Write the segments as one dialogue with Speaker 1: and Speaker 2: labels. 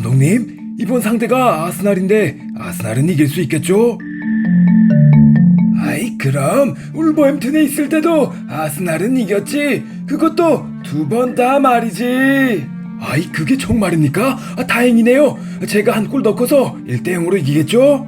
Speaker 1: 감독님, 이번 상대가 아스날인데 아스날은 이길 수 있겠죠? 아이, 그럼 울버햄튼에 있을 때도 아스날은 이겼지. 그것도 2번 다 말이지. 아이, 그게 정말입니까? 다행이네요. 제가 한 골 넣고서 1대0으로 이기겠죠?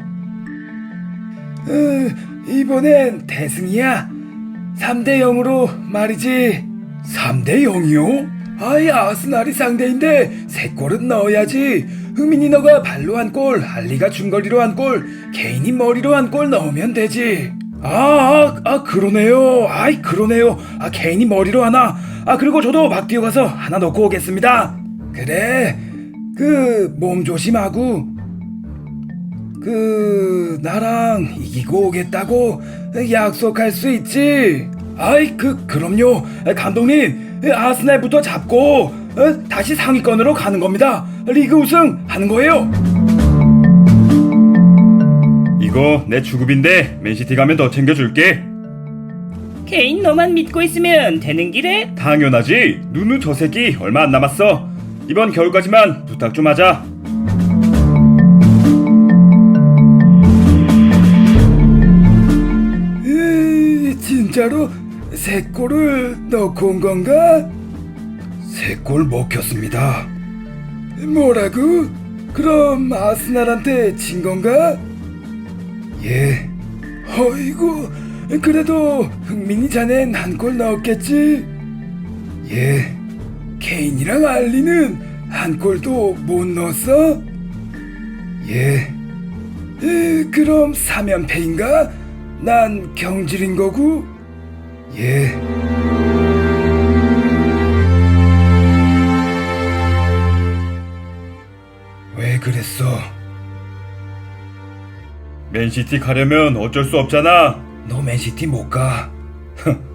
Speaker 1: 이번엔 대승이야. 3대0으로 말이지. 3대0이요? 아이, 아스날이 상대인데 3골은 넣어야지. 흥민이 너가 발로 한 골, 알리가 중거리로 한 골, 케인이 머리로 한 골 넣으면 되지. 그러네요. 아이, 그러네요. 케인이 머리로 하나. 그리고 저도 막 뛰어가서 하나 넣고 오겠습니다. 그래, 몸 조심하고, 나랑 이기고 오겠다고 약속할 수 있지? 아이, 그럼요. 감독님, 아스날부터 잡고, 다시 상위권으로 가는 겁니다. 리그 우승 하는 거예요.
Speaker 2: 이거 내 주급인데 맨시티 가면 더 챙겨줄게.
Speaker 3: 케인 너만 믿고 있으면 되는 길에?
Speaker 2: 당연하지. 누누 저 새끼 얼마 안 남았어. 이번 겨울까지만 부탁 좀 하자.
Speaker 1: 진짜로 3골을 넣고 온 건가? 3골 먹혔습니다. 뭐라고? 그럼 아스날한테 진 건가? 예. 어이구, 그래도 흥민이 자넨 한 골 넣었겠지? 예. 케인이랑 알리는 한 골도 못 넣었어? 예. 그럼 3연패인가? 난 경질인 거고? 예. 왜 그랬어?
Speaker 2: 맨시티 가려면 어쩔 수 없잖아.
Speaker 1: 너 맨시티 못 가.